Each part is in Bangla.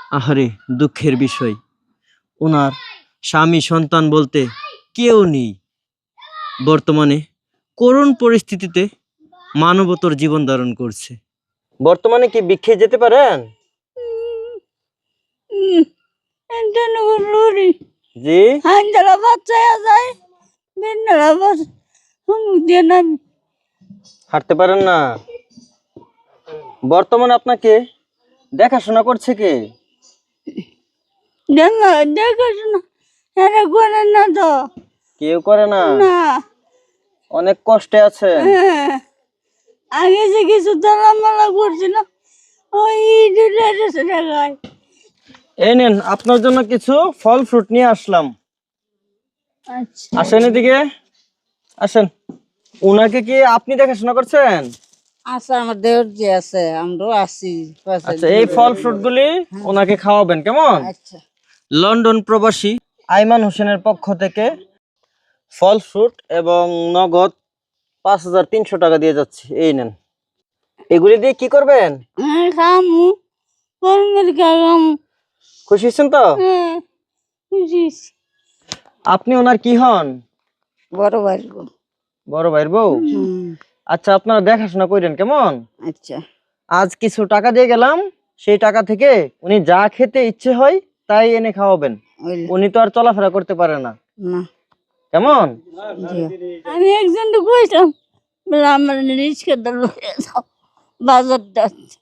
আহারে, দুঃখের বিষয়, ওনার স্বামী সন্তান বলতে কেউ নেই। বর্তমানে করুণ পরিস্থিতিতে মানবতর জীবন ধারণ করছে। বর্তমানে কি ভিক্ষে যেতে পারেন? জি, হাঁটতে পারেন না। বর্তমানে আপনাকে দেখাশোনা করছে কে? কেউ করে না। অনেক কষ্টে আছে। আগে যে কিছু দলামালা করছিল ওই টাকায়। এই নেন, আপনার জন্য কিছু ফল ফ্রুট নিয়ে আসলাম। আচ্ছা আসেন এদিকে, আসেন। উনাকে কি আপনি দেখাশোনা করছেন? আচ্ছা, আমার দেওর যে আছে আমরাও আছি। আচ্ছা, এই ফল ফ্রুট গুলি ওনাকে খাওয়াবেন, কেমন? আচ্ছা লন্ডন প্রবাসী আইমান হোসেনের পক্ষ থেকে ফল ফ্রুট এবং নগদ 5,300 টাকা দিয়ে যাচ্ছি। এই নেন, এগুলি দিয়ে কি করবেন? খামু কর্মের খামু। খুশি হয়েছেন তো? বুঝিস আপনি ওনার কি হন? বড় ভাই গো। বড় ভাইয়ের বউ? আচ্ছা, আপনারা দেখাশোনা করেন, কেমন? আচ্ছা আজ কিছু টাকা দিয়ে গেলাম, সেই টাকা থেকে উনি যা খেতে ইচ্ছে হয় তাই এনে খাওয়াবেন। উনি তো আর চলাফেরা করতে পারে না, না কেমন? আমি একজন তো কইতাম বলে আমার রিস্কে দল বাজার যাচ্ছে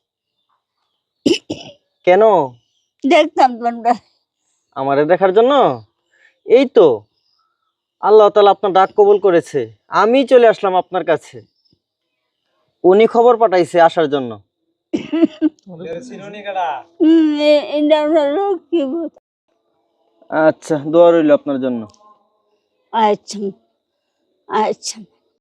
কেন? দেখতাম তোমরা। আমারে দেখার জন্য? এই তো আল্লাহ তাআলা আপনার ডাক কবুল করেছে, আমি চলে আসলাম আপনার কাছে। উনি খবর পাঠাইছে আসার জন্য। এটা আমার লক্ষ্মী বোধ। আচ্ছা, দোয়া রইল আপনার জন্য। আচ্ছা আচ্ছা